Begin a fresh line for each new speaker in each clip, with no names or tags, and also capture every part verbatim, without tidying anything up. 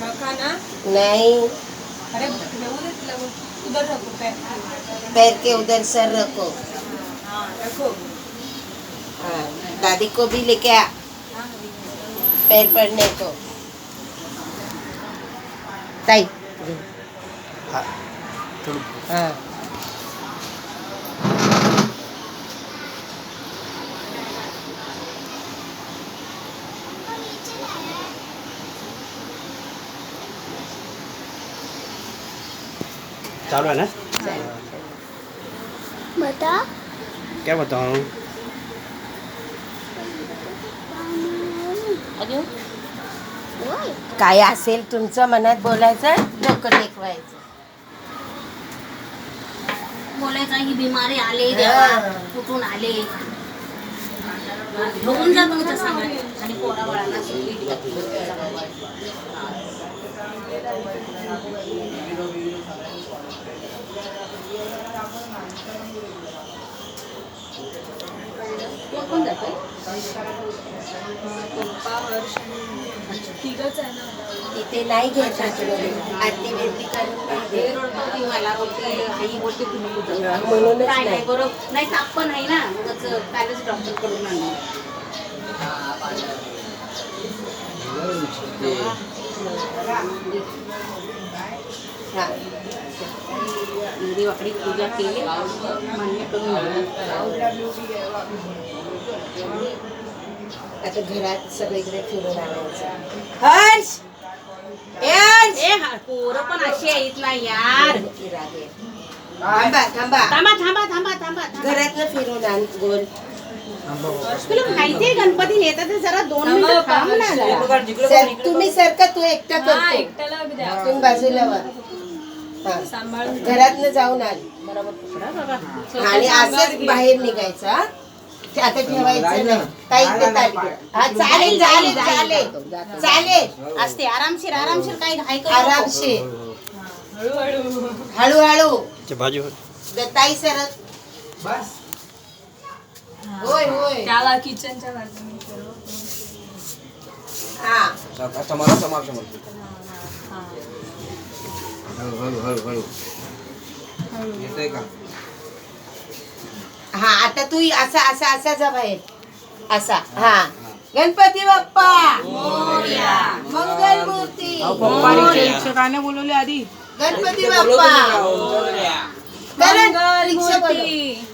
नहीं,
अरे उधर रखो पैर।
पैर के उधर सर रखो।
हाँ रखो।
हाँ, दादी को भी लेके आ पैर पड़ने को। ताई
हाँ थोडं
हाँ
चालू है ना।
बता
क्या बताऊँ?
अजून होय
काय असेल तुमचं मनात बोलायचं, डोकं टेकवायचं.
बोलायचं ही बिमारी आले देवा कुठून आले बघून जा तुमचं सांगा आणि पोरा बाळाला कोण जातोय
पप्पा हर्ष तिघच आहे ना.
इथे नाही घ्यायचं आरती बिरती करून नाही
हे
दे.
रोडवरती मला बोलते आई बोलते तुम्ही कुठं
म्हणूनच
काय
नाही.
नाही बरोबर नाही ताप पण आहे ना उगाच पॅलेस डॉक्टर कडून आणलं
हा.
देवाकडे पूजा केली मान्य करून
आता घरात सगळीकडे फिरून आणायचं. हर्ष ए हर्ष
ए हा पोरं पण अशी आहेत ना यार
रागे. थांबा थांबा
थांबा थांबा थांबा थांबा
घरातलं फिरून आण गोल.
तुला माहितीये गणपती नेतात ते जरा दोन मिनिटं थांब ना जरा.
सर तुम्ही सरका, तू एकटा
हा
करतो.
एकट्याला द्या.
तुम्ही बाजूला वा. हा.
सांभाळून
घरातनं जाऊन आण
बरोबर पकडा बाबा
आणि असंच बाहेर निघायचं. हा? ते आता ठेवायचं नाही. काही इथे ताट घे. हा चालेल चालेल चालेल चालेल.
असते आरामशीर आरामशीर काही घाई करू नको.
आरामशीर
हळूहळू.
हळूहळू.
ते बाजू
ताई सरक.
बस
होय होय.
त्याला किचनच्या बाजूने सर्व.
हा
समोर समोर समोर हळू हळू हळू हळू येतंय का?
हा आता तू असा असा असा जा बाहेर असा. हा गणपती बाप्पा मोरया. मंगल मूर्ती
शिक्षकाने बोलवले आधी.
गणपती बाप्पा करण रिक्षा बोलव.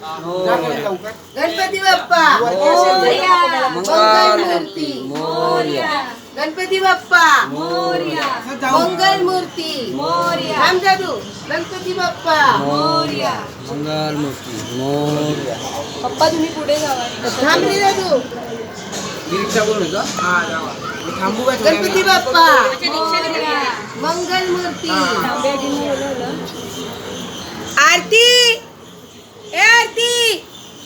गणपती बाप्पा
मोरया.
मंगल मूर्ती
मोरया.
गणपती बाप्पा
मोरया.
मंगल मूर्ती.
मोरया.
राम जादू गणपती बाप्पा
मोरया.
मंगल मूर्ती मोरया.
पप्पा तुम्ही पुढे जावा.
थांब रे जादू.
रिक्षा बोलू का? हा जावा. मी थांबू का?
गणपती बाप्पा
मोरया.
मंगल मूर्ती.
तांब्याने बोलवलं.
आरती ए आरती.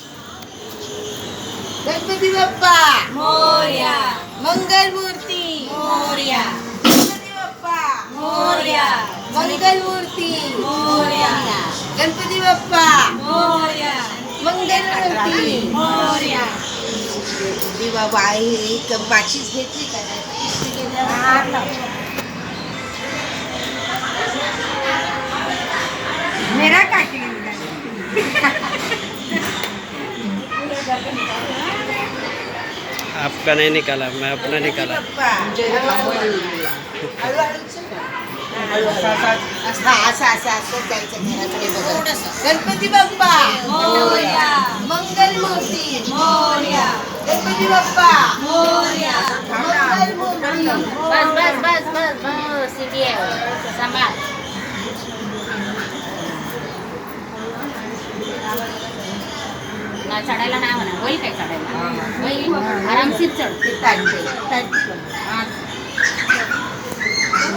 गणपती बाप्पा
मोरया.
मंगल मूर्ती.
मोरया
गणपती बाप्पा
मोरया
मंगल मूर्ती.
मोरया
गणपती बाप्पा
मोरया.
मंगल मूर्ती.
मोरया
दिवा बाई माचीच घेतली का? मेरा काकी
आपका नहीं निकाला, मैं अपना निकाला.
गणपती बाप्पा
मोरया.
मंगल मूर्ती.
मोरया.
गणपती बाप्पा
मोरया.
मंगल मूर्ती.
बस बस बस बस बस सिटी आहे सांभाळ ना चढायला नाही म्हणा होईल काय चढायला होईल आरामशीर चढ
ते ताट दे.
हा